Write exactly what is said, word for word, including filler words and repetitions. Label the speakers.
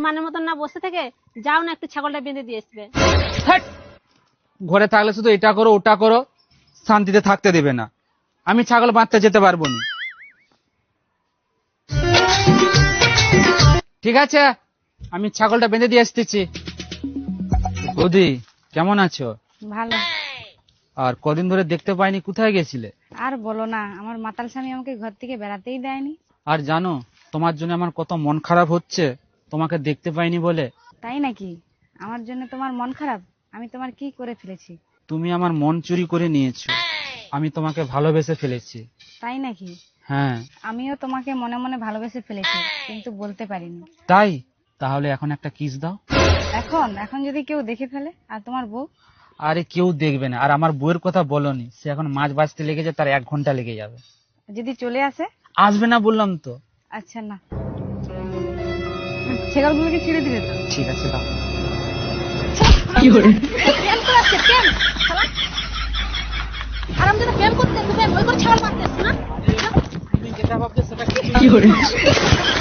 Speaker 1: মানের মতন না বসে থেকে যাও না একটু ছাগলটা বেঁধে দিয়ে আসবে।
Speaker 2: হ্যাট! ঘরে থাকলে শুধু এটা করো ওটা করো, শান্তিতে থাকতে দেবে না। আমি ছাগল বাঁধতে যেতে পারবো না। ঠিক আছে, আমি ছাগলটা বেঁধে দিয়ে আসতেছি। বৌদি কেমন আছো?
Speaker 3: ভালো।
Speaker 2: আর কদিন ধরে দেখতে পাইনি, কোথায় গেছিলে?
Speaker 3: আর বলো না, আমার মাতাল স্বামী আমাকে ঘর থেকে বেড়াতেই দেয়নি।
Speaker 2: আর জানো তোমার জন্য আমার কত মন খারাপ হচ্ছে, তোমাকে দেখতে পাইনি বলে।
Speaker 3: তাই নাকি? আমার জন্য তোমার মন খারাপ? আমি তোমার কি করে ফেলেছি?
Speaker 2: তুমি আমার মন চুরি করে নিয়েছো, আমি তোমাকে ভালোবেসে ফেলেছি।
Speaker 3: তাই নাকি?
Speaker 2: হ্যাঁ।
Speaker 3: আমিও তোমাকে মনে মনে ভালোবেসে ফেলেছি, কিন্তু বলতে পারিনি।
Speaker 2: তাই? তাহলে এখন একটা কিস দাও।
Speaker 3: এখন এখন যদি কেউ দেখে ফেলে? আর তোমার বউ?
Speaker 2: আরে কেউ দেখবে না, আর আমার বউয়ের কথা বলনি, সে এখন মাছ বাজতে লেগেছে, তার এক ঘন্টা লেগে যাবে।
Speaker 3: যদি চলে আসে?
Speaker 2: আসবে না বললাম তো।
Speaker 3: আচ্ছা না, ছেলেগুলোকে ছেড়ে দিলে তো?
Speaker 2: ঠিক আছে দাও।
Speaker 1: কি করে প্রেম করাচ্ছে? প্রেম আরাম যেটা প্রেম করতে প্রেম ওই করে ছাগল মারতে না।
Speaker 2: তুমি যেটা ভাবছো সেটা
Speaker 1: কি করে